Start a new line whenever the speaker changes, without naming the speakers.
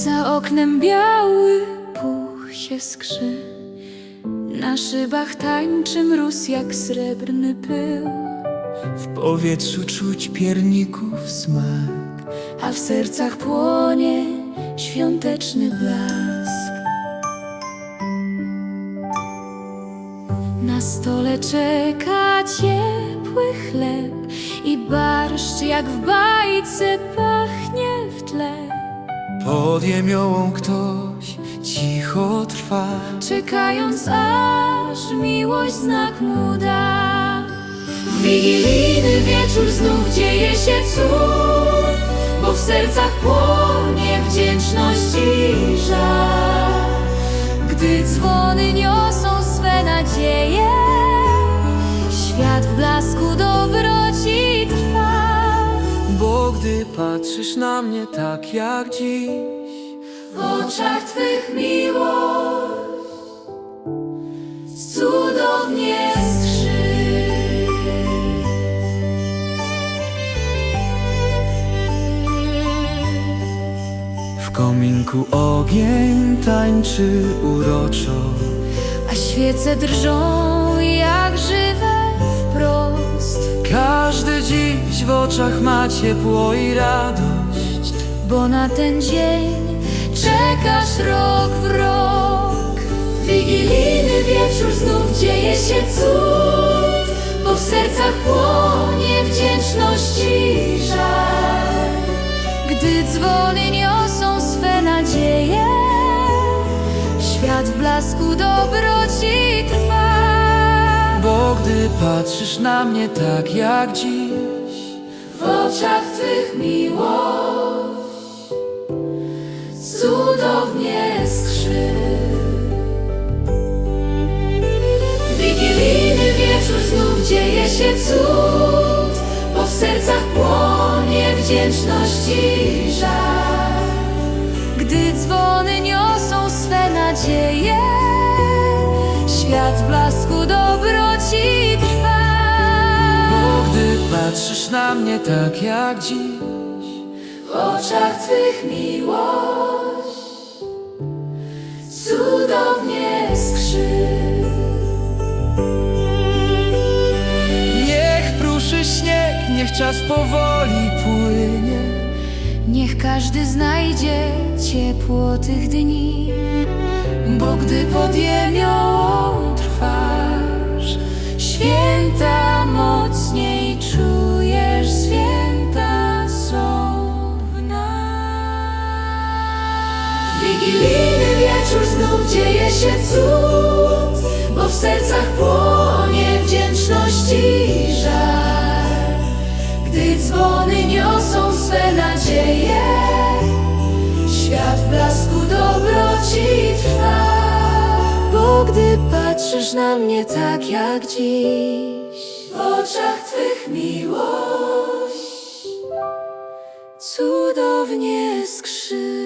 Za oknem biały puch się skrzy, na szybach tańczy mróz jak srebrny pył.
W powietrzu czuć pierników smak,
A w sercach płonie świąteczny blask. Na stole czeka ciepły chleb i barszcz jak w bajce pachnie w tle.
pod jemiołą ktoś cicho trwa,
Czekając aż miłość znak mu da. W wigilijny wieczór znów dzieje się cud, bo w sercach płonie wdzięczność i żal. Gdy dzwony niosą swe nadzieje, świat w blasku dobroci trwa.
bo gdy patrzysz na mnie tak jak dziś,
W oczach Twych miłość cudownie skrzy.
w kominku ogień tańczy uroczo,
A świece drżą jak żywe wprost,
każdy dziś w oczach ma ciepło i radość,
bo na ten dzień czekasz rok w rok. W wigilijny wieczór znów dzieje się cud, bo w sercach płonie wdzięczność i żal. Gdy dzwony niosą swe nadzieje, świat w blasku dobroci trwa.
bo gdy patrzysz na mnie tak jak dziś,
W oczach Twych miłość cudownie skrzy. W wigilijny wieczór znów dzieje się cud, bo w sercach płonie wdzięczność i żal. Gdy dzwony niosą swe nadzieje, świat w blasku dobroci trwa.
bo gdy patrzysz na mnie tak jak dziś,
W oczach Twych miłość cudownie skrzy.
niech pruszy śnieg, niech czas powoli płynie,
Niech każdy znajdzie ciepło tych dni, bo gdy pod jemiołą trwasz, święta mocniej czujesz, święta są w nas. W wigilijny wieczór znów dzieje się cud, bo w sercach płonie wdzięczność i żal. Gdy dzwony niosą swe nadzieje, świat w blasku dobroci trwa. Bo gdy patrzysz na mnie tak jak dziś, w oczach Twych miłość cudownie skrzy.